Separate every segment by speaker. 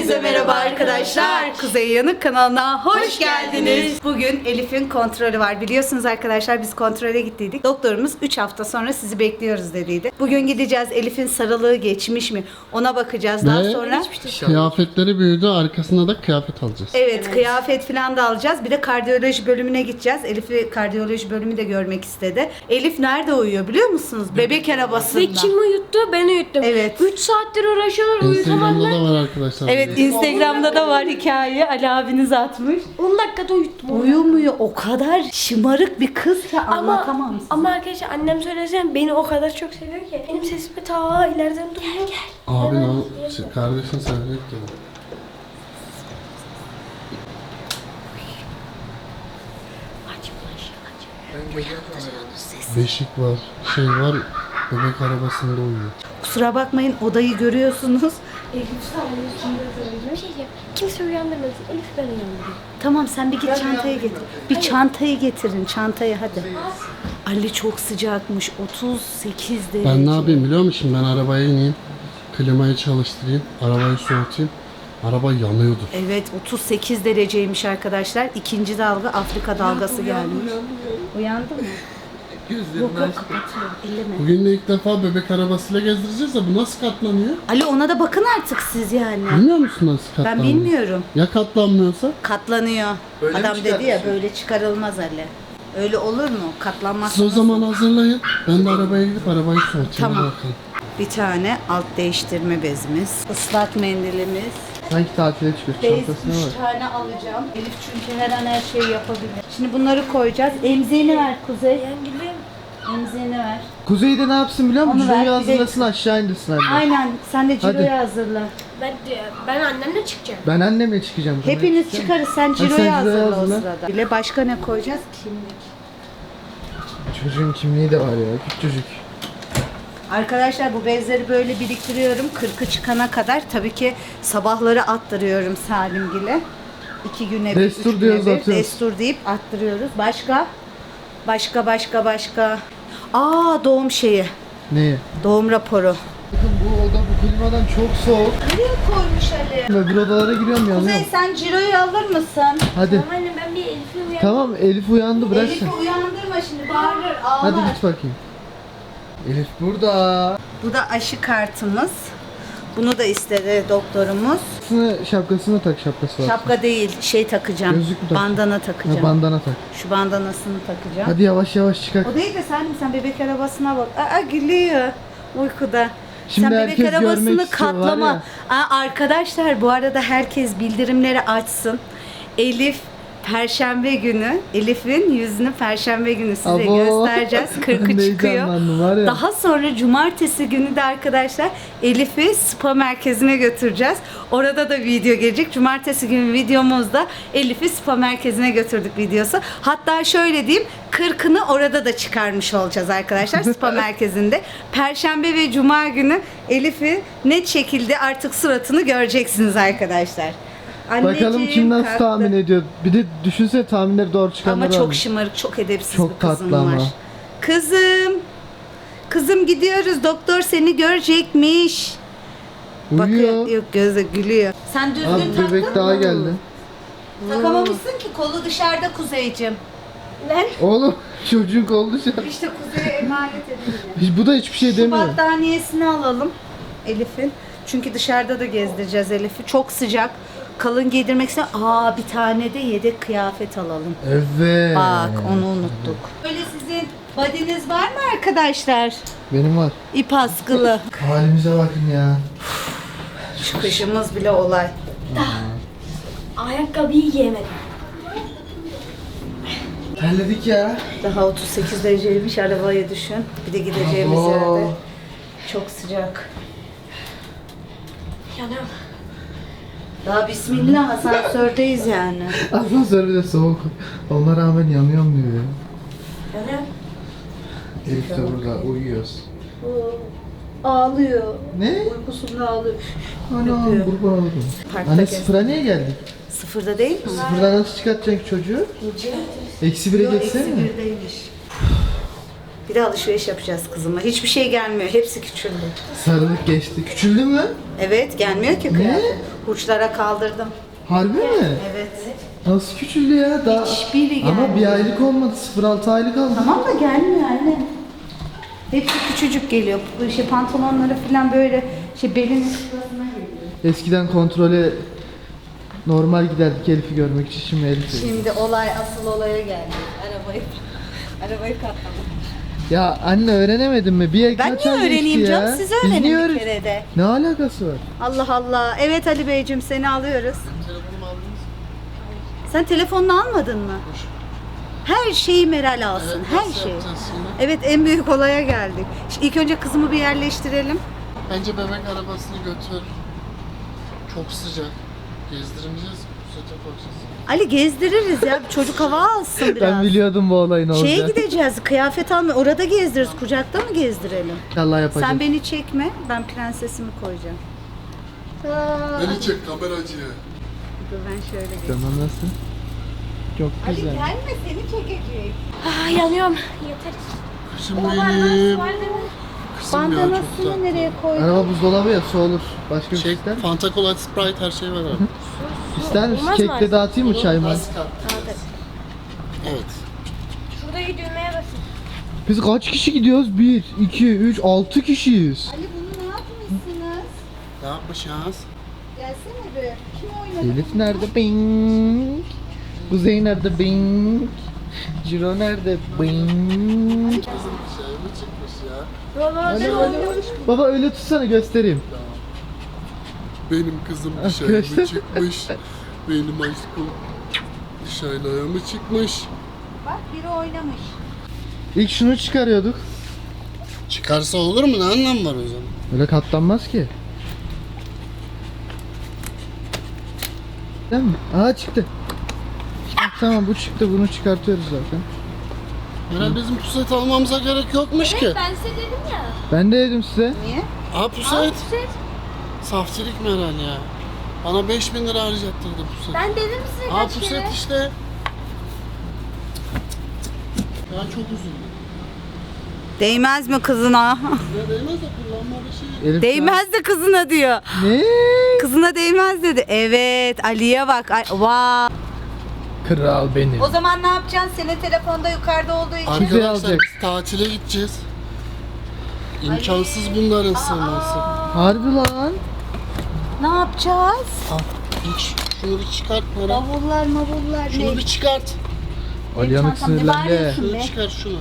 Speaker 1: Hepinize merhaba arkadaşlar. Kuzey Yanık kanalına hoş geldiniz. Bugün Elif'in kontrolü var. Biliyorsunuz arkadaşlar biz kontrole gittiydik. Doktorumuz 3 hafta sonra sizi bekliyoruz dediydi. Bugün gideceğiz. Elif'in sarılığı geçmiş mi? Ona bakacağız. Daha sonra
Speaker 2: Kıyafetleri büyüdü, arkasına da kıyafet alacağız.
Speaker 1: evet, kıyafet falan da alacağız. Bir de kardiyoloji bölümüne gideceğiz. Elif'i kardiyoloji bölümü de görmek istedi. Elif nerede uyuyor biliyor musunuz? Bebek arabasında.
Speaker 3: Ve kim uyuttu? Ben uyuttum.
Speaker 1: Evet.
Speaker 3: 3 saattir uğraşıyorlar,
Speaker 2: Instagram'da
Speaker 3: uyutamadılar.
Speaker 2: da var arkadaşlar.
Speaker 1: Evet, Instagram'da da var hikaye. Ali abiniz atmış.
Speaker 3: 10 dakikada uyuttum.
Speaker 1: Uyumuyor. O kadar şımarık bir kız ki anlatamam size.
Speaker 3: Ama arkadaşlar annem söylesem beni o kadar çok seviyor ki. Benim sesimi ta ileriden duyuyor.
Speaker 2: Abi kardeşin sevecek dedi. Beşik var, şey var, bebek arabasında uyuyor.
Speaker 1: Kusura bakmayın, odayı görüyorsunuz.
Speaker 3: Bir şey diyeceğim. Kimse uyandırmasın. Elif ben uyandırayım.
Speaker 1: Tamam, sen bir git çantayı getir. Bir çantayı getirin, çantayı hadi. Ali çok sıcakmış, 38 derece.
Speaker 2: Ben ne yapayım biliyor musun? Ben arabaya ineyim, klimayı çalıştırayım, arabayı soğutayım. Araba yanıyordu.
Speaker 1: Evet, 38 dereceymiş arkadaşlar. İkinci dalga, Afrika dalgası gelmiş. Uyandı mı? Yok kapatıyor, elleme.
Speaker 2: Bugün de ilk defa bebek arabasıyla gezdireceğiz de bu nasıl katlanıyor?
Speaker 1: Ali, ona da bakın artık siz yani.
Speaker 2: Bilmiyor musun nasıl katlanıyor?
Speaker 1: Ben bilmiyorum.
Speaker 2: Ya katlanmıyorsa?
Speaker 1: Katlanıyor. Adam dedi ya, böyle çıkarılmaz Ali. Öyle olur mu? Katlanmaz.
Speaker 2: Siz o zaman hazırlayın. Ben de arabaya gidip arabayı soğutayım.
Speaker 1: Tamam.
Speaker 2: Bakalım.
Speaker 1: Bir tane alt değiştirme bezimiz, ıslak mendilimiz.
Speaker 4: Sanki tatile çıkıyor.
Speaker 1: Bez
Speaker 4: Çantasına
Speaker 1: 3
Speaker 4: bak.
Speaker 1: tane alacağım. Elif çünkü her an her şeyi yapabilir. Şimdi bunları koyacağız. Emziğini ver Kuzey.
Speaker 3: Ben gülüyorum.
Speaker 1: Emziğini ver.
Speaker 4: Kuzey'de ne yapsın biliyor musun?
Speaker 1: Onu ver,
Speaker 4: Ciro'yu
Speaker 1: bir de-
Speaker 4: hazırlasın aşağı indirsin anne.
Speaker 1: Aynen. Sen de
Speaker 4: Hadi.
Speaker 1: ciroyu hazırla.
Speaker 3: Ben annemle çıkacağım.
Speaker 4: Ben annemle çıkacağım.
Speaker 1: Hepiniz çıkarız. Sen ciroyu
Speaker 4: ciroyu
Speaker 1: hazırla o
Speaker 4: hazırla.
Speaker 1: sırada. Bile başka ne koyacağız? Kimlik.
Speaker 4: Çocuğun kimliği de var ya. Küçük çocuk.
Speaker 1: Arkadaşlar bu bezleri böyle biriktiriyorum. 40'ı çıkana kadar. Tabii ki sabahları attırıyorum Salimgil'e. 2 güne bir,
Speaker 4: Destur
Speaker 1: 3 güne
Speaker 4: diyoruz,
Speaker 1: bir.
Speaker 4: atıyoruz.
Speaker 1: Destur deyip attırıyoruz. Başka? Başka. Doğum şeyi.
Speaker 4: Neyi?
Speaker 1: Doğum raporu.
Speaker 4: Bakın bu oda bu klimadan çok soğuk.
Speaker 1: Nereye koymuş Ali?
Speaker 4: Öbür odalara giriyorum
Speaker 1: Kuzey,
Speaker 4: yanıyorum.
Speaker 1: sen ciroyu alır mısın?
Speaker 4: Hadi.
Speaker 3: Ama annem ben bir Elif'i uyandım.
Speaker 4: Tamam Elif uyandı bırak sen.
Speaker 1: Elif'i uyandırma şimdi, bağırır, ağlar.
Speaker 4: Hadi git bakayım. Elif burada.
Speaker 1: Bu da aşı kartımız. Bunu da istedi doktorumuz.
Speaker 4: Şapkasını tak, şapkası var.
Speaker 1: Şapka değil, şey takacağım.
Speaker 4: Gözlük mü tak?
Speaker 1: Bandana
Speaker 4: Ha,
Speaker 1: takacağım.
Speaker 4: bandana tak.
Speaker 1: Şu bandanasını takacağım.
Speaker 4: Hadi yavaş yavaş çıkar.
Speaker 1: O değil de sen bebek arabasına bak. Gülüyor uykuda.
Speaker 4: Şimdi
Speaker 1: sen
Speaker 4: herkes
Speaker 1: bebek
Speaker 4: görmek
Speaker 1: arabasını
Speaker 4: istiyor, var
Speaker 1: katlama.
Speaker 4: ya.
Speaker 1: Arkadaşlar bu arada herkes bildirimleri açsın. Elif Perşembe günü, Elif'in yüzünü Perşembe günü size
Speaker 4: Abo.
Speaker 1: göstereceğiz.
Speaker 4: Ben
Speaker 1: 40'ı
Speaker 4: de
Speaker 1: çıkıyor.
Speaker 4: heyecanlandım, var ya.
Speaker 1: Daha sonra cumartesi günü de arkadaşlar Elif'i spa merkezine götüreceğiz. Orada da video gelecek. Cumartesi günü videomuzda Elif'i spa merkezine götürdük videosu. Hatta şöyle diyeyim, 40'ını orada da çıkarmış olacağız arkadaşlar spa merkezinde. Perşembe ve cuma günü Elif'i net şekilde artık suratını göreceksiniz arkadaşlar.
Speaker 4: Bakalım kim nasıl
Speaker 1: kalktı.
Speaker 4: tahmin ediyor. Bir de düşünsene tahminleri doğru çıkanlar
Speaker 1: Ama çok
Speaker 4: var.
Speaker 1: şımarık, çok edepsiz
Speaker 4: Çok
Speaker 1: bir kızım
Speaker 4: tatlı ama.
Speaker 1: var. Kızım gidiyoruz. Doktor seni görecekmiş.
Speaker 4: Uyuyor.
Speaker 1: Bakıyor, yok gözü gülüyor. Sen düzgün
Speaker 4: Abi
Speaker 1: taktın
Speaker 4: bebek daha
Speaker 1: mı?
Speaker 4: geldi.
Speaker 1: Takamamışsın ki, kolu dışarıda Kuzeyciğim.
Speaker 3: Ben
Speaker 4: Oğlum çocuk oldu şu an.
Speaker 1: İşte Kuzey'e emanet edildi.
Speaker 4: Bu da hiçbir şey
Speaker 1: Şu
Speaker 4: demiyor.
Speaker 1: battaniyesini alalım Elif'in. Çünkü dışarıda da gezdireceğiz Elif'i. Çok sıcak. Kalın giydirmek için bir tane de yedek kıyafet alalım.
Speaker 4: Evet.
Speaker 1: Bak, onu unuttuk. Böyle sizin body'niz var mı arkadaşlar?
Speaker 4: Benim var.
Speaker 1: İp askılı.
Speaker 4: Halimize bakın ya.
Speaker 1: Şu kışımız bile olay.
Speaker 3: ayakkabıyı giyemedim.
Speaker 4: Terledik ya.
Speaker 1: Daha 38 dereceymiş, arabaya düşün. Bir de gideceğimiz
Speaker 4: Abo.
Speaker 1: yerde. Çok sıcak.
Speaker 3: Yanıyorum.
Speaker 1: Daha bismillah, asansördeyiz yani.
Speaker 4: Asansör bir de soğuk. Ona rağmen yanıyorum diyor ya.
Speaker 3: Yanıyorum.
Speaker 4: Elif de burada uyuyoruz.
Speaker 1: Ağlıyor.
Speaker 4: Ne?
Speaker 1: Uykusunda ağlıyor.
Speaker 4: Anam
Speaker 1: Yapıyor.
Speaker 4: kurban oldum.
Speaker 1: Parkta
Speaker 4: Anne
Speaker 1: gez.
Speaker 4: sıfıra niye geldik?
Speaker 1: Sıfırda değil mi?
Speaker 4: Sıfırdan nasıl çıkartacaksın çocuğu? Eksi bire
Speaker 1: Yok,
Speaker 4: geçsene
Speaker 1: eksi
Speaker 4: mi?
Speaker 1: birdeymiş. Bir de alışveriş yapacağız kızıma. Hiçbir şey gelmiyor. Hepsi küçüldü.
Speaker 4: Sarılık geçti. Küçüldü mü?
Speaker 1: Evet gelmiyor ki kıyafet. Hurçlara kaldırdım.
Speaker 4: Harbi mi?
Speaker 1: Evet.
Speaker 4: Nasıl küçüldü ya? Daha...
Speaker 1: Hiçbiri
Speaker 4: Ama
Speaker 1: gelmiyor.
Speaker 4: bir aylık olmadı. 0-6 aylık aldı.
Speaker 1: Tamam da gelmiyor anne. Hepsi küçücük geliyor. Bu şey pantolonları falan böyle belinin şurasına geliyor.
Speaker 4: Eskiden kontrole normal giderdik Elif'i görmek için. Şimdi Elif'i.
Speaker 1: Şimdi asıl olaya geldi. Arabayı katladım.
Speaker 4: Ya anne öğrenemedin mi? Bir
Speaker 1: Ben
Speaker 4: kaç
Speaker 1: niye
Speaker 4: ay geçti
Speaker 1: öğreneyim
Speaker 4: ya?
Speaker 1: canım? Siz
Speaker 4: Biz
Speaker 1: öğrenin
Speaker 4: niye
Speaker 1: bir
Speaker 4: öğren-
Speaker 1: kere de.
Speaker 4: Ne alakası var?
Speaker 1: Allah Allah. Evet Ali Beyciğim seni alıyoruz.
Speaker 2: Telefonumu aldınız mı?
Speaker 1: Sen telefonunu almadın mı? Her şeyi Meral alsın.
Speaker 2: Evet,
Speaker 1: her
Speaker 2: nasıl
Speaker 1: şey.
Speaker 2: yapacağız şimdi?
Speaker 1: Evet en büyük olaya geldik. Şimdi ilk önce kızımı bir yerleştirelim.
Speaker 2: Bence bebek arabasını götür. Çok sıcak. Gezdirmeyeceğiz. Pusete koyacağız.
Speaker 1: Ali gezdiririz ya. Bir çocuk hava alsın biraz.
Speaker 4: Ben biliyordum bu olayın olacağını.
Speaker 1: Şeye gideceğiz. Kıyafet almaya. Orada gezdiririz. Kucakta mı gezdirelim?
Speaker 4: Allah yapacak.
Speaker 1: Sen beni çekme. Ben prensesimi koyacağım.
Speaker 2: Beni çek kameracıya.
Speaker 1: Dur ben şöyle geçeyim.
Speaker 4: Tamam nasıl? Çok
Speaker 1: Ali
Speaker 4: güzel.
Speaker 1: gelme seni çekecek.
Speaker 3: Ah, yanıyorum. Yeter.
Speaker 2: Kızım
Speaker 3: Baba
Speaker 2: benim.
Speaker 3: var değil mi?
Speaker 2: Kızım ya çok
Speaker 1: Bandanasını
Speaker 2: tatlı.
Speaker 1: nereye koydun?
Speaker 4: Araba buzdolabı ya su olur. Başka bir şey
Speaker 2: Şey,
Speaker 4: ister misin?
Speaker 2: Fanta Cola, Sprite her şey var abi.
Speaker 4: İster misin?
Speaker 3: Olmaz mı
Speaker 4: Kekle
Speaker 3: artık?
Speaker 4: dağıtayım mı çay mı?
Speaker 2: Evet.
Speaker 3: Şuradaki düğmeye basın.
Speaker 4: Biz kaç kişi gidiyoruz? 1, 2, 3, 6 kişiyiz.
Speaker 1: Ali bunu ne yapmışsınız?
Speaker 2: Ne yapmışız?
Speaker 1: Gelsene be. Kim oynadı?
Speaker 4: Elif nerede? Bing. Kuzey nerede? Bing. Ciro nerede? Bing.
Speaker 2: Kızım bir şey mi çıkmış ya?
Speaker 3: Baba ben oynuyorum.
Speaker 4: Baba öyle tutsana göstereyim.
Speaker 2: Benim kızım bir şey mi
Speaker 4: Arkadaşlar.
Speaker 2: çıkmış? Benim aşkım dışarıya mı çıkmış?
Speaker 1: Bak biri oynamış.
Speaker 4: İlk şunu çıkarıyorduk.
Speaker 2: Çıkarsa olur mu? Ne anlam var o zaman?
Speaker 4: Öyle katlanmaz ki. Değil mi? Aa çıktı. Tamam bu çıktı, bunu çıkartıyoruz zaten.
Speaker 2: Herhalde bizim puset almamıza gerek yokmuş ki.
Speaker 3: Ben size dedim ya.
Speaker 4: Ben de dedim size.
Speaker 1: Niye?
Speaker 2: Aa puset. Saftirik Meral ya. Bana 5000 lira harcattırdı puset.
Speaker 3: Ben dedim size
Speaker 2: Aa
Speaker 3: kaç kere.
Speaker 2: puset işte. Ya çok üzüldüm.
Speaker 1: Değmez mi kızına?
Speaker 2: Ya değmez de kullanma bir şey.
Speaker 4: Elif
Speaker 1: Değmez de kızına diyor.
Speaker 4: Ne?
Speaker 1: Kızına değmez dedi. Evet Ali'ye bak. Vay.
Speaker 4: Kral benim.
Speaker 1: O zaman ne yapacaksın? Senin telefonda yukarıda olduğu için.
Speaker 2: Arkadaşlar
Speaker 4: alacak.
Speaker 2: biz tatile gideceğiz. İmkansız bunların sığması.
Speaker 4: Harbi lan.
Speaker 1: Ne yapacağız?
Speaker 2: Al. Hiç. Şunu bir çıkart Meral.
Speaker 1: Bavullar mavullar
Speaker 2: Şunu
Speaker 1: ne?
Speaker 2: bir çıkart.
Speaker 4: Aliyanık
Speaker 1: çantamda
Speaker 4: sinirlendi.
Speaker 1: bari-
Speaker 2: Şunu
Speaker 1: Ne?
Speaker 2: çıkar şunu.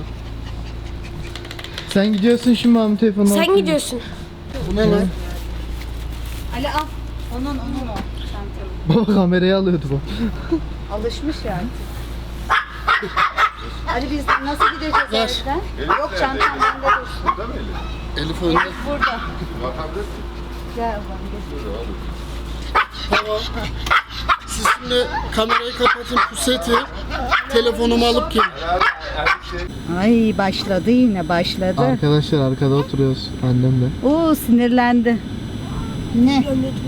Speaker 4: Sen gidiyorsun şimdi Mahmut telefonunu.
Speaker 3: Sen gidiyorsun.
Speaker 2: Bu ne lan?
Speaker 1: Ali al. Onun o. Çantamı.
Speaker 4: Baba kamerayı alıyordu bu.
Speaker 1: Alışmış ya artık. Ali biz nasıl gideceğiz
Speaker 2: Ver.
Speaker 1: evden? Yok çantam bende dursun.
Speaker 2: Elif önde.
Speaker 1: Elif burada. Gel ablam gel.
Speaker 2: Tamam. Siz şimdi kamerayı kapatın puseti. Telefonumu alıp gelin.
Speaker 1: Ay başladı yine başladı.
Speaker 4: Arkadaşlar arkada oturuyoruz annemle.
Speaker 1: Oo sinirlendi. Ne?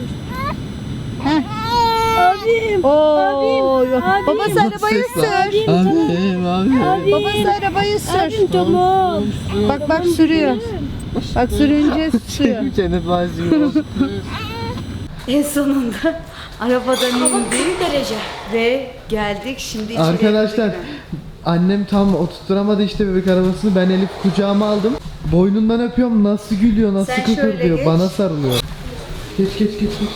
Speaker 3: Abim.
Speaker 1: Oo. Babası
Speaker 4: Nasıl
Speaker 1: arabayı
Speaker 4: ses lan?
Speaker 1: sür.
Speaker 4: Abi.
Speaker 1: Babası arabayı sür.
Speaker 3: Abim tamam.
Speaker 1: Bak sürüyor. Bak sürünce sürüyor.
Speaker 4: Kendi bazı
Speaker 1: En sonunda arabadan indik
Speaker 3: Bir derece.
Speaker 1: ve geldik. Şimdi içeri
Speaker 4: Arkadaşlar
Speaker 1: girdik.
Speaker 4: annem tam oturtturamadı işte bebek arabasını. Ben Elif kucağıma aldım. Boynundan öpüyorum, nasıl gülüyor, nasıl
Speaker 1: Sen şöyle
Speaker 4: kıkırdıyor.
Speaker 1: geç.
Speaker 4: Bana sarılıyor. Geç.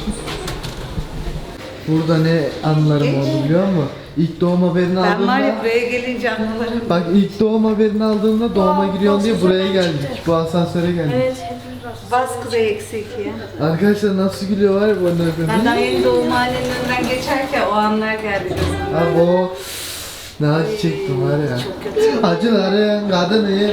Speaker 4: Burada ne anılarım
Speaker 1: Geç.
Speaker 4: oldu biliyor musun? İlk doğum haberini
Speaker 1: Ben var
Speaker 4: aldığımda
Speaker 1: ya buraya gelince anılarım.
Speaker 4: bak ilk doğum haberini aldığımda doğuma giriyorsun diye buraya geldik. Bu asansöre geldik.
Speaker 3: Evet hepimiz var.
Speaker 1: Bas kuzey eksik ya.
Speaker 4: Arkadaşlar nasıl gülüyor var ya bu anne
Speaker 1: Ben daha
Speaker 4: öpüyorum.
Speaker 1: yeni doğum halinin önünden geçerken o anlar geldi gözüme.
Speaker 4: Abi o ne acı çektim var ya.
Speaker 1: Çok kötü.
Speaker 4: Acıların kadını.
Speaker 3: Yıl.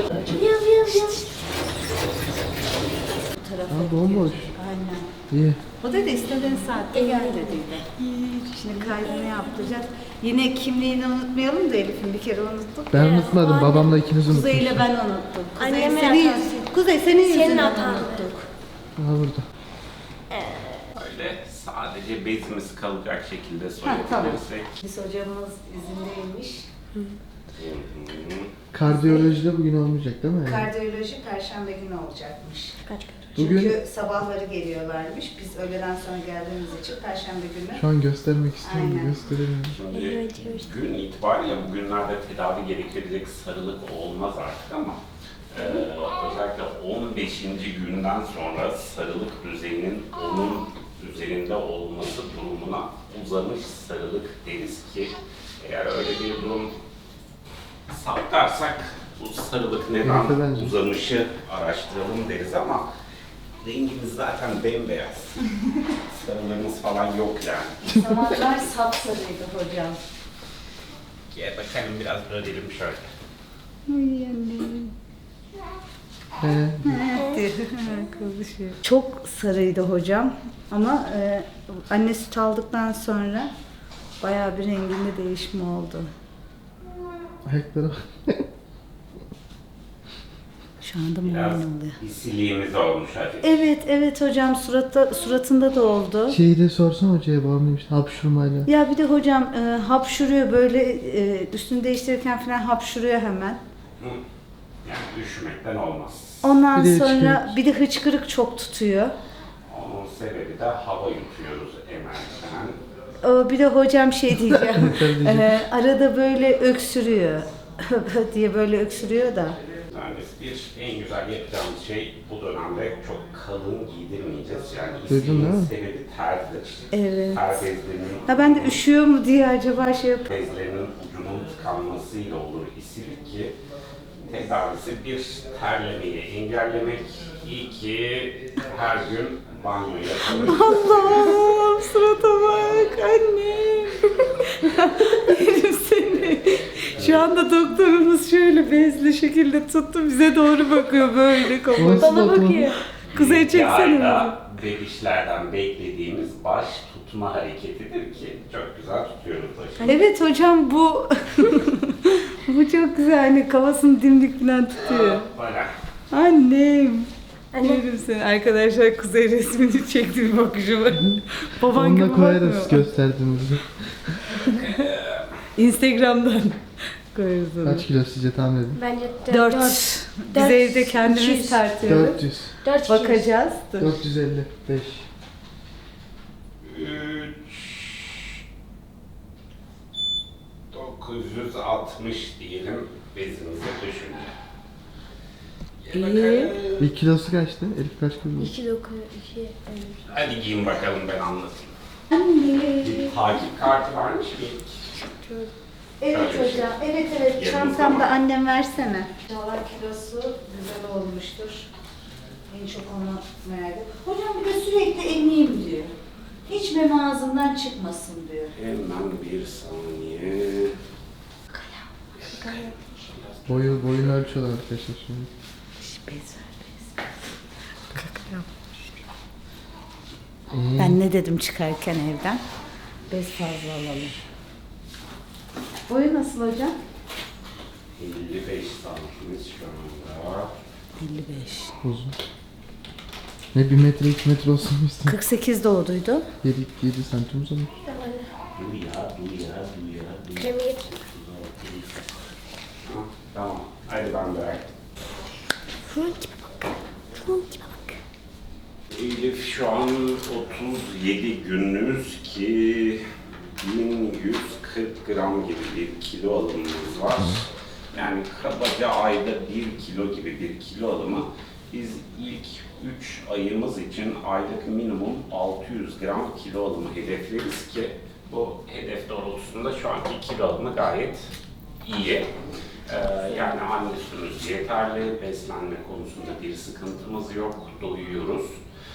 Speaker 4: Ha bomboş.
Speaker 1: Aynen.
Speaker 4: İyi.
Speaker 1: O dedi istediğin saatte gel dediydi. Şimdi kaydını yaptıracağız. Yine kimliğini unutmayalım da Elif'in bir kere unuttuk.
Speaker 4: Ben unutmadım. Babamla ikiniz
Speaker 1: Kuzey ile
Speaker 4: unutmuşsunuz.
Speaker 1: ben unuttum. Kuzey
Speaker 3: Annemin
Speaker 1: senin,
Speaker 3: hatası.
Speaker 1: Kuzey senin yüzünden
Speaker 3: hatan.
Speaker 1: unuttuk.
Speaker 4: Ha burada.
Speaker 5: Öyle sadece bezimiz kalacak şekilde
Speaker 1: tamam.
Speaker 5: soyabilirsek.
Speaker 1: Biz hocamız izindeymiş.
Speaker 4: Kardiyolojide bugün olmayacak değil mi?
Speaker 1: Kardiyoloji perşembe günü olacakmış.
Speaker 3: Kaç kaç.
Speaker 4: Bugün
Speaker 1: Çünkü sabahları geliyorlarmış. Biz öğleden sonra geldiğimiz için perşembe günü.
Speaker 4: şu an göstermek istiyorum.
Speaker 1: Aynen.
Speaker 4: Gösteremiyorum.
Speaker 5: Şimdi
Speaker 3: Evet, evet.
Speaker 5: gün itibariyle bugünlerde tedavi gerektirecek sarılık olmaz artık ama özellikle 15. günden sonra sarılık düzeyinin onun üzerinde olması durumuna uzamış sarılık deriz ki eğer öyle bir durum saptarsak bu sarılık
Speaker 4: Evet,
Speaker 5: neden
Speaker 4: bence.
Speaker 5: uzamışı araştıralım deriz ama rengimiz zaten bembeyaz. Sarılarımız falan yok yani.
Speaker 1: Zamanlar sapsarıydı hocam.
Speaker 5: Gel bakalım biraz örelim şöyle.
Speaker 1: Ay annem.
Speaker 4: He.
Speaker 1: Çok sarıydı hocam ama anne süt aldıktan sonra bayağı bir renginde değişme oldu.
Speaker 4: Ayaklara bak.
Speaker 1: Şu anda
Speaker 5: Biraz
Speaker 1: muayene oluyor.
Speaker 5: isiliğimiz olmuş hafif.
Speaker 1: Evet hocam suratında da oldu.
Speaker 4: Şeyi de sorsan hocaya bağımlıymış. Hapşurmayla.
Speaker 1: Ya bir de hocam hapşuruyor böyle üstünü değiştirirken falan hapşuruyor hemen.
Speaker 5: Hı. Yani üşümekten olmaz.
Speaker 1: Ondan
Speaker 4: Bir de
Speaker 1: sonra
Speaker 4: hıçkırık.
Speaker 1: bir de hıçkırık çok tutuyor.
Speaker 5: Onun sebebi de hava yutuyoruz emerken.
Speaker 1: Bir de hocam şey diyeceğim.
Speaker 4: Tabii.
Speaker 1: Arada böyle öksürüyor. diye böyle öksürüyor da.
Speaker 5: Yani en güzel yapacağımız şey bu dönemde çok kalın giydirmeyeceğiz. Yani
Speaker 4: Duydun değil
Speaker 5: isiliğin
Speaker 4: mi?
Speaker 5: sebebi terdir.
Speaker 1: Evet.
Speaker 5: Ter bezlerinin,
Speaker 1: Ha ben de üşüyor mu diye acaba şey yap.
Speaker 5: bezlerinin ucunun tıkanmasıyla olur isilik ki tedavisi bir terlemeyi engellemek. İyi ki her gün banyo yapalım.
Speaker 1: Allah'ım surata bak annem. Yerim seni. Şu anda doktorumuz şöyle bezli şekilde tuttu bize doğru bakıyor böyle kafası.
Speaker 4: Nasıl
Speaker 3: Bana
Speaker 4: bakma?
Speaker 3: bakıyor.
Speaker 1: Kuzey
Speaker 5: İlk
Speaker 1: çeksene.
Speaker 5: ayda bebişlerden beklediğimiz baş tutma hareketidir ki çok güzel tutuyoruz başı.
Speaker 1: Evet hocam bu bu çok güzel hani kafasını dimdik falan tutuyor.
Speaker 5: Böyle.
Speaker 1: Annem.
Speaker 3: Anne.
Speaker 1: Yerim seni. Arkadaşlar Kuzey resmini çekti bir bakışı var. Baban
Speaker 4: Onunla
Speaker 1: gibi
Speaker 4: koyarız
Speaker 1: bakmıyor.
Speaker 4: gösterdiğimizde.
Speaker 1: Instagram'dan koyarız onu.
Speaker 4: Kaç kilo sizce tahmin edin?
Speaker 3: Bence
Speaker 1: 4. Biz
Speaker 3: Dört.
Speaker 1: evde kendimiz
Speaker 3: 200.
Speaker 1: tartıyoruz.
Speaker 4: 400.
Speaker 3: 4
Speaker 1: Bakacağız.
Speaker 4: 455.
Speaker 5: 960 diyelim bezimizi düşünce. Gel
Speaker 1: İyi.
Speaker 5: bakalım.
Speaker 4: Bir kilosu kaçtı? Elif kaç kilo?
Speaker 3: 2 9 2
Speaker 5: Hadi giyin bakalım ben anlatayım. Bir takip kartı varmış mı?
Speaker 1: Evet
Speaker 5: Şöyle bir şey.
Speaker 1: hocam. Evet
Speaker 5: Yanımızda
Speaker 1: Çantamda
Speaker 5: mı?
Speaker 1: annem versene. İnşallah kilosu güzel olmuştur. En çok onu merak ediyorum. Hocam bir de sürekli emeyim diyor. Hiç meme ağzından çıkmasın diyor.
Speaker 5: Hemen bir saniye.
Speaker 4: Boyunu ölçüyorlar arkadaşlar şimdi.
Speaker 1: Bez ver bez.
Speaker 4: İyi.
Speaker 1: Ben ne dedim çıkarken evden? Bez fazla alalım. Boyu nasıl hocam?
Speaker 5: 55 santimiz şu anda.
Speaker 1: 55.
Speaker 4: Uzun. Ne 1 metre 2 metre olsun mu istedim?
Speaker 1: 48 doğduydu.
Speaker 4: 7 santim uzun.
Speaker 5: Dur ya.
Speaker 3: Kremi getir.
Speaker 5: Ha, tamam. Hadi ben de.
Speaker 3: Şunun gibi bak. Şunun gibi bak.
Speaker 5: Elif şu an 37 günümüz ki 1140 gram gibi bir kilo alımımız var. Yani kabaca ayda 1 kilo gibi bir kilo alımı. Biz ilk 3 ayımız için aylık minimum 600 gram kilo alımı hedefleriz ki bu hedef doğrultusunda şu anki kilo alımı gayet iyi. Yani anne sütümüz yeterli, beslenme konusunda bir sıkıntımız yok, doyuyoruz.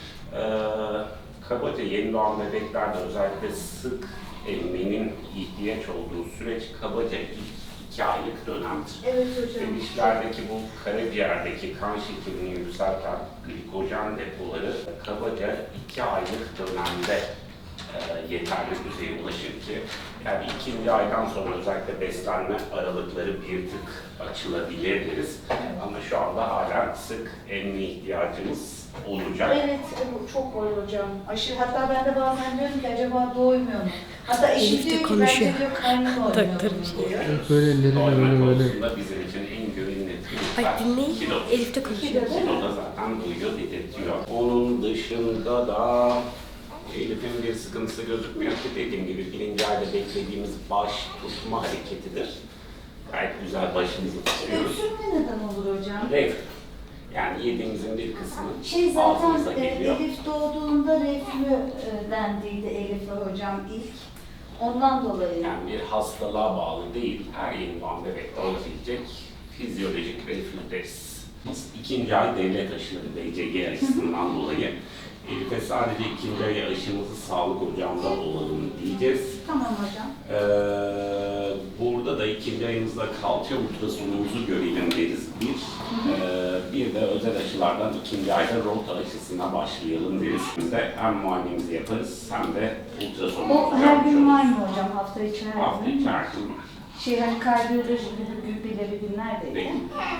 Speaker 5: Kabaca yeni doğan bebeklerde özellikle sık emmenin ihtiyaç olduğu süreç kabaca ilk 2 aylık dönemdir.
Speaker 1: Evet hocam.
Speaker 5: Bebişlerdeki bu karaciğerdeki kan şekerini yükselten glikojen depoları kabaca 2 aylık dönemde yeterli düzeye ulaşır ki yani 2. aydan sonra özellikle beslenme aralıkları bir tık açılabilir deriz. Ama şu anda hala sık emme ihtiyacımız olacak.
Speaker 1: Evet, bu çok var hocam. Aşırı, hatta ben de bazen diyorum ki acaba doymuyor mu? Hatta eşim
Speaker 3: Elif de
Speaker 1: diyor ki
Speaker 3: konuşuyor.
Speaker 1: bence diyor karnım oynuyor diyor.
Speaker 4: Böyle elleriyle
Speaker 5: Doyma
Speaker 4: böyle.
Speaker 5: konusunda bizim için en
Speaker 3: Bak dinleyin.
Speaker 5: Kilo.
Speaker 3: Elif de konuşuyor.
Speaker 5: Kilo da zaten duyuyor, dedirtiyor. Onun dışında da Elif'in bir sıkıntısı gözükmüyor ki, dediğim gibi birinci ayda beklediğimiz baş tutma hareketidir. Gayet güzel başımızı tutuyoruz.
Speaker 1: Öksürme neden olur hocam?
Speaker 5: Reflü. Yani yediğimizin bir kısmı
Speaker 1: Şey zaten
Speaker 5: ağzımıza geliyor.
Speaker 1: Elif doğduğunda reflü dendiydi Elif'e hocam ilk. Ondan dolayı.
Speaker 5: Yani bir hastalığa bağlı değil, her yeni doğan bebekte olabilecek fizyolojik reflü deriz. Biz ikinci ay devlet aşıları BCG aşısından dolayı Elif'e sadece ikinci ay aşımızı sağlık ocağında olalım diyeceğiz.
Speaker 1: Tamam hocam.
Speaker 5: Burada da ikinci ayımızda kalça ultrasonumuzu görelim deriz bir. Bir de özel aşılardan ikinci ayda rota aşısına başlayalım deriz. Biz de hem muayenemizi yaparız hem de ultrasonumuzu
Speaker 1: O her gün var mı hocam? Hafta içi her
Speaker 5: Hafta
Speaker 1: gün?
Speaker 5: içi her gün var.
Speaker 1: Şey hani kardiyoloji gibi belirli günler değil.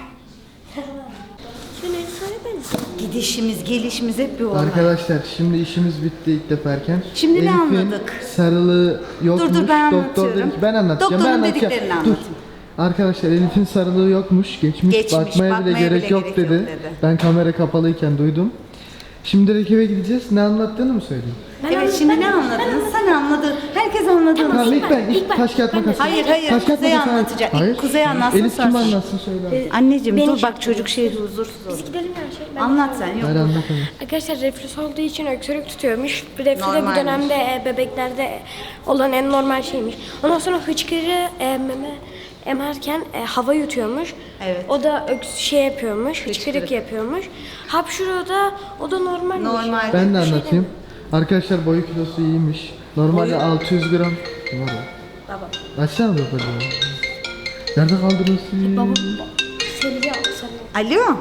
Speaker 1: Gidişimiz, gelişimiz hep bir olay.
Speaker 4: Arkadaşlar şimdi işimiz bitti ilk deferken.
Speaker 1: Şimdi ne
Speaker 4: Elif'in
Speaker 1: anladık?
Speaker 4: sarılığı yokmuş.
Speaker 1: Dur, ben
Speaker 4: Doktor
Speaker 1: anlatıyorum.
Speaker 4: dedi ki ben anlatacağım.
Speaker 1: Doktorun
Speaker 4: ben anlatacağım.
Speaker 1: dediklerini
Speaker 4: Dur.
Speaker 1: anlatın.
Speaker 4: Arkadaşlar Elif'in sarılığı yokmuş. Geçmiş bakmaya bile gerek yok dedi. Ben kamera kapalıyken duydum. Şimdi direkt eve gideceğiz. Ne anlattığını mı söyleyeyim?
Speaker 1: Evet şimdi ne anladınız? Sen anladın. Herkes anladı.
Speaker 4: Tamam ilk taş kağıt makas.
Speaker 1: Hayır,
Speaker 4: Taş kağıt
Speaker 1: Kuzey
Speaker 4: makas.
Speaker 1: anlatacak.
Speaker 4: Hayır.
Speaker 1: Kuzey anlatsın,
Speaker 4: Elif kim
Speaker 1: sonra.
Speaker 4: anlatsın söyle.
Speaker 1: Anneciğim
Speaker 3: Beni
Speaker 1: dur bak çocuk şey huzursuz
Speaker 3: Biz
Speaker 1: olur.
Speaker 3: gidelim ya şey. Ben
Speaker 1: Anlat sen yok.
Speaker 4: Hayır anlatamam.
Speaker 3: Arkadaşlar reflüs olduğu için öksürük tutuyormuş. Reflü de bu
Speaker 1: Normalmiş.
Speaker 3: dönemde bebeklerde olan en normal şeymiş. Ondan sonra hıçkırığı meme emerken hava yutuyormuş.
Speaker 1: Evet.
Speaker 3: O da şey yapıyormuş, hıçkırık yapıyormuş. Hapşuruğu da o da normalmiş.
Speaker 1: Normal.
Speaker 4: Ben de anlatayım. Arkadaşlar boyu kilosu iyiymiş. Normalde 600 gram. Var ya.
Speaker 3: Baba.
Speaker 4: Açsana babacığım. Nerede kaldırıyorsun?
Speaker 3: Söyleyeceğim sana.
Speaker 1: Alo.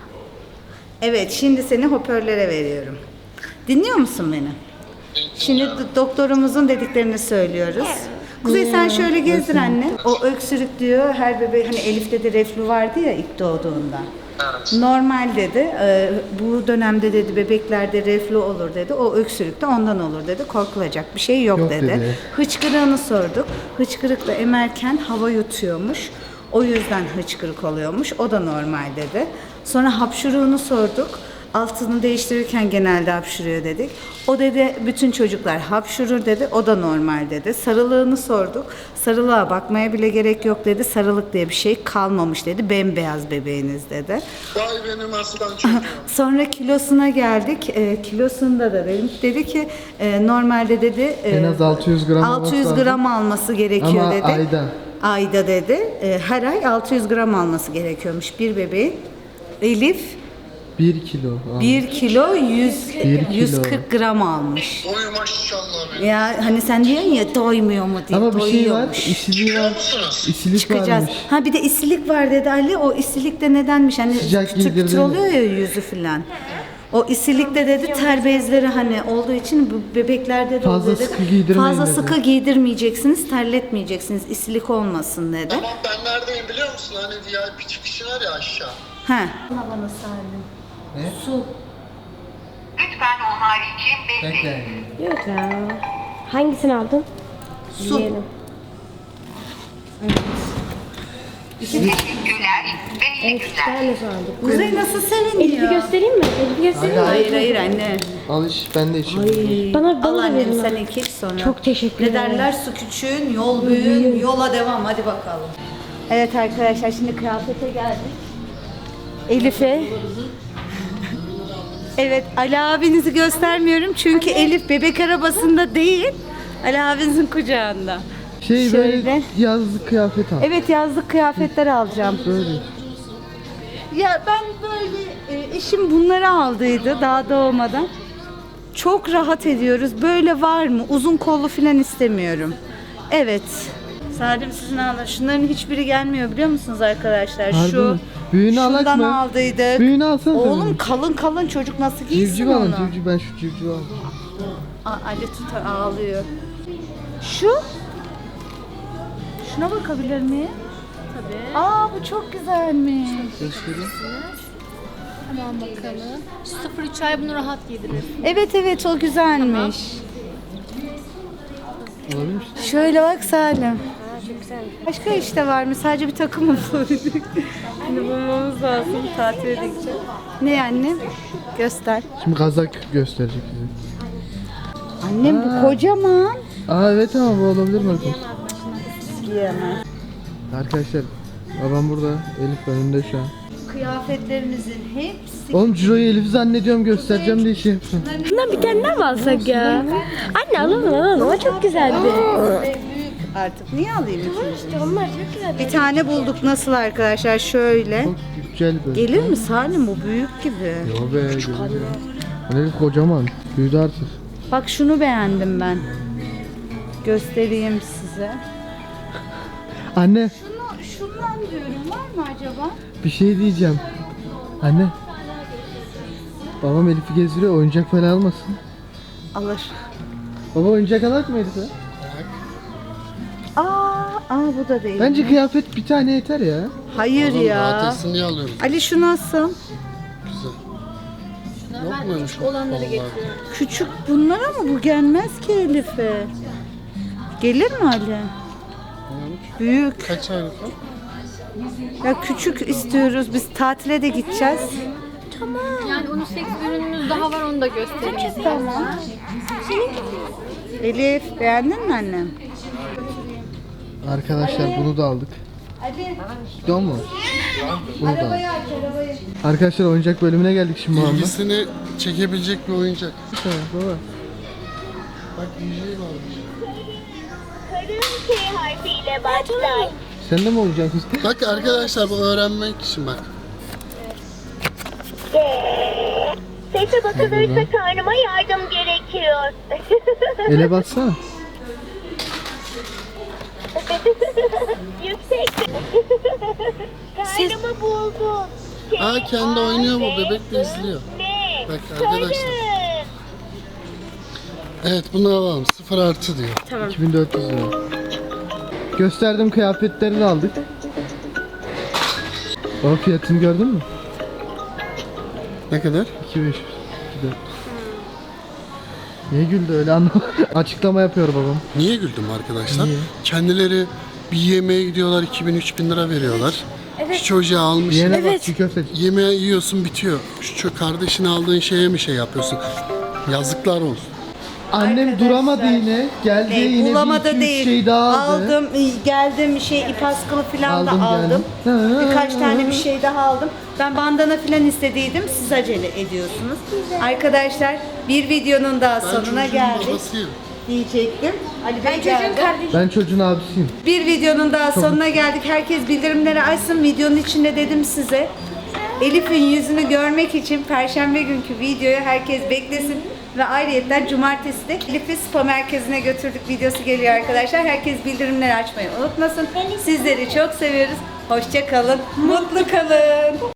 Speaker 1: Evet şimdi seni hoparlöre veriyorum. Dinliyor musun beni? Şimdi doktorumuzun dediklerini söylüyoruz. Kuzey sen şöyle gezdir anne. O öksürük diyor her bebe hani Elif'te de reflü vardı ya ilk doğduğunda. Normal dedi. Bu dönemde dedi bebeklerde reflü olur dedi. O öksürük de ondan olur dedi. Korkulacak bir şey yok,
Speaker 4: Yok
Speaker 1: dedi.
Speaker 4: dedi.
Speaker 1: Hıçkırığını sorduk. Hıçkırıkla emerken hava yutuyormuş. O yüzden hıçkırık oluyormuş. O da normal dedi. Sonra hapşuruğunu sorduk. Altını değiştirirken genelde hapşuruyor dedik. O dedi bütün çocuklar hapşurur dedi. O da normal dedi. Sarılığını sorduk. Sarılığa bakmaya bile gerek yok dedi. Sarılık diye bir şey kalmamış dedi. Bembeyaz bebeğiniz dedi.
Speaker 6: Vay benim aslan çocuğum.
Speaker 1: Sonra kilosuna geldik. Kilosunda da dedi ki normalde dedi
Speaker 4: En az 600 gram olması
Speaker 1: 600
Speaker 4: lazım.
Speaker 1: gram alması gerekiyor
Speaker 4: Ama
Speaker 1: dedi.
Speaker 4: ayda.
Speaker 1: Ayda dedi. Her ay 600 gram alması gerekiyormuş bir bebeğin. Elif
Speaker 4: 1 kilo.
Speaker 1: 1 kilo
Speaker 4: 1
Speaker 1: 140 gram almış.
Speaker 6: Oy maşallah benim.
Speaker 1: Ya hani sen diyorsun ya doymuyor mu diye.
Speaker 4: Ama bir şey var.
Speaker 1: doyuyormuş.
Speaker 4: İsiliği var.
Speaker 6: musunuz?
Speaker 4: İsilik
Speaker 1: Çıkacağız.
Speaker 4: varmış.
Speaker 1: Ha bir de isilik var dedi Ali. O isilik de nedenmiş? Hani
Speaker 4: Sıcak
Speaker 1: kütür kütür
Speaker 4: giydirdiğinde.
Speaker 1: oluyor ya yüzü filan. O isilik de dedi ter bezleri hani olduğu için bu bebeklerde de
Speaker 4: Fazla
Speaker 1: oluyor dedi.
Speaker 4: sıkı giydirmeyin
Speaker 1: Fazla
Speaker 4: dedi.
Speaker 1: sıkı giydirmeyeceksiniz, terletmeyeceksiniz. İsilik olmasın dedi.
Speaker 6: Tamam ben neredeyim biliyor musun? Hani VIP çıkışı var ya aşağı.
Speaker 1: He. Bana sardım.
Speaker 4: Ne?
Speaker 1: Su.
Speaker 7: Lütfen o harici bekleyin.
Speaker 4: Bekle.
Speaker 3: Yok ya. Hangisini aldın?
Speaker 1: Su.
Speaker 3: Yiyelim.
Speaker 7: Teşekkürler ve iyi
Speaker 3: Evet, iki
Speaker 7: günler.
Speaker 3: tane su aldık.
Speaker 1: Kuzey nasıl
Speaker 3: Elif'i
Speaker 1: seviniyor?
Speaker 3: göstereyim mi? Elif'i göstereyim mi?
Speaker 1: Hayır hayır anne.
Speaker 4: Al iç ben de içeyim.
Speaker 3: Bana
Speaker 1: Al
Speaker 3: da
Speaker 1: annem
Speaker 3: verin.
Speaker 1: sen ilk iç sonra.
Speaker 3: Çok teşekkür
Speaker 1: Ne
Speaker 3: ederim.
Speaker 1: derler su küçüğün, yol büyüğün, yola devam hadi bakalım. Evet arkadaşlar şimdi kıyafete geldik. Elif'e. Evet Ali abinizi göstermiyorum çünkü Elif bebek arabasında değil. Ali abinizin kucağında.
Speaker 4: Şey
Speaker 1: Şöyle.
Speaker 4: böyle yazlık kıyafet al.
Speaker 1: Evet yazlık kıyafetler alacağım.
Speaker 4: Böyle.
Speaker 1: Ya ben böyle eşim bunları aldıydı daha doğmadan. Çok rahat ediyoruz. Böyle var mı? Uzun kollu falan istemiyorum. Evet. Salim sizin alın. Şunların hiçbiri gelmiyor biliyor musunuz arkadaşlar?
Speaker 4: Harbi
Speaker 1: Şu
Speaker 4: mi? Büyüğünü alak
Speaker 1: şundan
Speaker 4: mı?
Speaker 1: aldıydık.
Speaker 4: Büyüğünü alsana sen
Speaker 1: Oğlum
Speaker 4: bunu.
Speaker 1: kalın kalın çocuk nasıl giysin
Speaker 4: Civciv alın
Speaker 1: onu?
Speaker 4: civciv ben şu civciv aldım.
Speaker 1: Ali tutar ağlıyor. Şu? Şuna bakabilir miyim? Tabii. Aa bu çok güzelmiş.
Speaker 4: Göstereyim.
Speaker 8: Tamam bakalım. 0-3 ay bunu rahat giydirir.
Speaker 1: Evet evet o güzelmiş.
Speaker 4: Olabilir mi?
Speaker 1: Şöyle bak Salim.
Speaker 3: Çok güzel.
Speaker 1: Başka işte var mı? Sadece bir takım mı bulabildik? Elif'ini bulmamız lazım. Tatile gideceğiz. Ne annem? Göster.
Speaker 4: Şimdi kazak gösterecek bize.
Speaker 1: Annem bu kocaman.
Speaker 4: Aa evet ama bu olabilir mi arkadaşlar?
Speaker 1: Giyemez.
Speaker 4: Arkadaşlar babam burada, Elif önünde şu an.
Speaker 1: Kıyafetlerimizin hepsi.
Speaker 4: Oğlum Ciro'yu Elif zannediyorum, göstereceğim diye şey yaptım.
Speaker 3: Bundan bir tane daha mı alsak ya? Anne alalım o çok güzeldi.
Speaker 1: Büyük artık. Niye alayım ikinci?
Speaker 3: İşte onlar çok güzel.
Speaker 1: Bir tane bulduk. Nasıl arkadaşlar? Şöyle.
Speaker 4: Çok güzel böyle.
Speaker 1: Gelir mi Salim? Bu büyük gibi.
Speaker 4: Yo be geliyor. Elif kocaman. Büyüdü artık.
Speaker 1: Bak şunu beğendim ben. Göstereyim size.
Speaker 4: Anne
Speaker 1: Şundan diyorum. Var mı acaba?
Speaker 4: bir şey diyeceğim. Anne. Babam Elif'i gezdiriyor, oyuncak falan almasın.
Speaker 1: Alır.
Speaker 4: Baba oyuncak alak mı Elif'e?
Speaker 1: Bu da değil.
Speaker 4: Bence kıyafet bir tane yeter ya.
Speaker 1: Hayır
Speaker 2: Oğlum,
Speaker 1: ya.
Speaker 2: rahat etsin diye alıyoruz.
Speaker 1: Ali şu nasıl?
Speaker 2: Güzel. Yok muymuş bu
Speaker 8: olanları
Speaker 2: kollar?
Speaker 8: getiriyorum.
Speaker 1: Küçük bunlar ama bu gelmez ki Elif'e. Gelir mi Ali? Büyük.
Speaker 2: Kaç aylık o?
Speaker 1: Ya küçük istiyoruz. Biz tatile de gideceğiz.
Speaker 8: Yani unisex ürünümüz daha var, onu da göstereyim.
Speaker 1: Tamam. Elif beğendin mi annem?
Speaker 4: Arkadaşlar bunu da aldık.
Speaker 1: Ali.
Speaker 4: Gidiyor mu? Bunu da aldık.
Speaker 1: Arabayı aç arabayı.
Speaker 4: Arkadaşlar oyuncak bölümüne geldik şimdi babamla.
Speaker 2: İlgisini çekebilecek bir oyuncak.
Speaker 4: Baba.
Speaker 2: Bak DJ varmış.
Speaker 7: K harfiyle başlar.
Speaker 4: Sen de mi oyuncak
Speaker 2: Bak arkadaşlar bu öğrenmek için bak.
Speaker 7: Sese basılırsa karnıma yardım gerekiyor.
Speaker 4: Ele bassana.
Speaker 7: Yüksek. Karnımı buldum.
Speaker 2: Aa kendi oynuyor bu, bebek de izliyor.
Speaker 7: Ne?
Speaker 2: Bak arkadaşlar. Evet bunu alalım, 0 artı diyor.
Speaker 4: 2400 lira. Gösterdim, kıyafetleri de aldık. Baba fiyatını gördün mü?
Speaker 2: Ne kadar?
Speaker 4: 2500. 2400. Niye güldü öyle anlamadım. Açıklama yapıyor babam.
Speaker 2: Niye güldüm arkadaşlar?
Speaker 4: Niye?
Speaker 2: Kendileri bir yemeğe gidiyorlar, 2000-3000 lira veriyorlar. Şu çocuğa almışsın.
Speaker 4: Yiyene bak, çiğ köfte.
Speaker 2: Yemeği yiyorsun bitiyor. Şu kardeşine aldığın şeye mi şey yapıyorsun? Yazıklar olsun.
Speaker 4: Annem
Speaker 1: Arkadaşlar,
Speaker 4: duramadı yine. Geldi yine bir
Speaker 1: Bulamadı
Speaker 4: iki, üç
Speaker 1: değil.
Speaker 4: şey daha aldı.
Speaker 1: Aldım, geldim ip askılı falan da
Speaker 4: Aldım,
Speaker 1: aldım.
Speaker 4: geldim.
Speaker 1: Birkaç tane bir şey daha aldım. Ben bandana falan istediydim. Siz acele ediyorsunuz. Arkadaşlar bir videonun daha sonuna
Speaker 2: çocuğun
Speaker 1: geldik
Speaker 2: babasıyım.
Speaker 1: diyecektim. Ali Bey geldi.
Speaker 4: Ben çocuğun abisiyim.
Speaker 1: Bir videonun daha sonuna geldik. Herkes bildirimleri açsın. Videonun içinde dedim size. Elif'in yüzünü görmek için Perşembe günkü videoyu herkes beklesin. Ve ayrıyetten cumartesi de Elif'i spa merkezine götürdük videosu geliyor arkadaşlar. Herkes bildirimleri açmayı unutmasın. Sizleri çok seviyoruz. Hoşça kalın, mutlu kalın.